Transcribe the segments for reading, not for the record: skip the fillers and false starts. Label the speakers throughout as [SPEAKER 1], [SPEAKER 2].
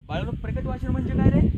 [SPEAKER 1] बाळांनो, प्रकट वाचन म्हणजे काय रे?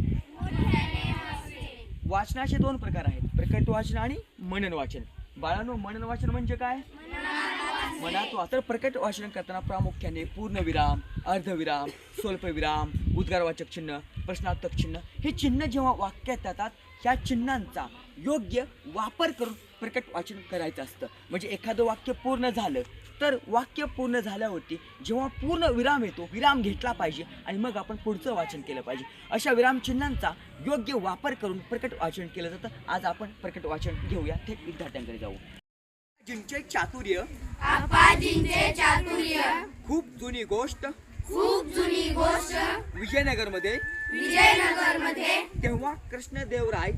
[SPEAKER 1] वाचनाचे दोन प्रकार आहेत, प्रकट वाचन आणि मनन वाचन. बाळांनो, मनन वाचन म्हणजे काय? मनात वाचन. प्रकट वाचन करताना प्रामुख्याने पूर्णविराम, अर्धविराम, स्वल्पविराम, उद्गारवाचक चिन्ह, प्रश्नार्थक चिन्ह हे चिन्ह जेव्हा वाक्यात येतात ह्या चिन्हांचा योग्य वापर करून प्रकट वाचन करायचं असतं. म्हणजे एखादं वाक्य पूर्ण झालं तर वाक्य पूर्ण झाल्यावरती जेव्हा पूर्ण विराम येतो, विराम घेतला पाहिजे आणि मग आपण पुढचं वाचन केलं पाहिजे. अशा विराम चिन्हांचा योग्य वापर करून प्रकट वाचन केलं जातं. आज आपण प्रकट वाचन घेऊया, थेट विद्यार्थ्यांकडे जाऊ. अप्पाजींचे चातुर्य,
[SPEAKER 2] अप्पाजींचे चातुर्य,
[SPEAKER 1] खूप जुनी गोष्ट,
[SPEAKER 2] खूप जुनी गोष्ट.
[SPEAKER 1] विजयनगरमध्ये तेव्हा कृष्णदेवराय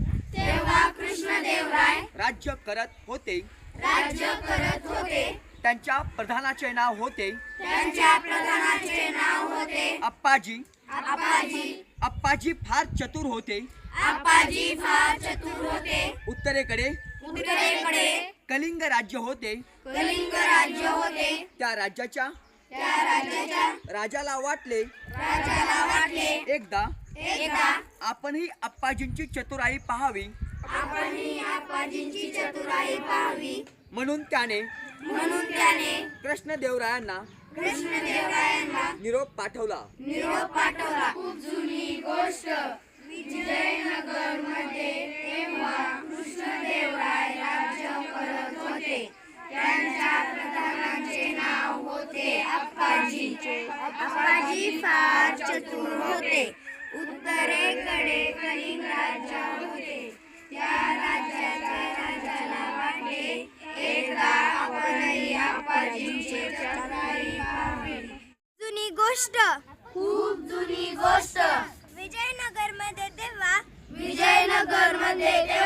[SPEAKER 1] राज्य करत होते. त्यांच्या प्रधानाचे नाव होते अप्पाजी. अप्पाजी फार चतुर होते. उत्तरेकडे कलिंग राज्य होते. त्या राज्याच्या राजाला वाटले एकदा आपणही अप्पाजींची चतुराई पाहावी. म्हणून त्याने कृष्णदेवरायांना निरोप पाठवला.
[SPEAKER 2] खूप जुनी गोष्ट. विजयनगरमध्ये तेव्हा कृष्णदेवराय राज्य करत होते. त्यांच्या प्रधानाचे नाव होते अप्पाजी. अप्पाजी फार चतुर होते. उत्तरेकडे कलिंग राज्य होते. त्या राज्याच्या राजाला वाटले एकदा आपणही अप्पाजींची चतुराई पाहावी.
[SPEAKER 3] जुनी गोष्ट.
[SPEAKER 2] खूप जुनी गोष्ट.
[SPEAKER 3] विजयनगरमध्ये तेव्हा
[SPEAKER 2] विजयनगरमध्ये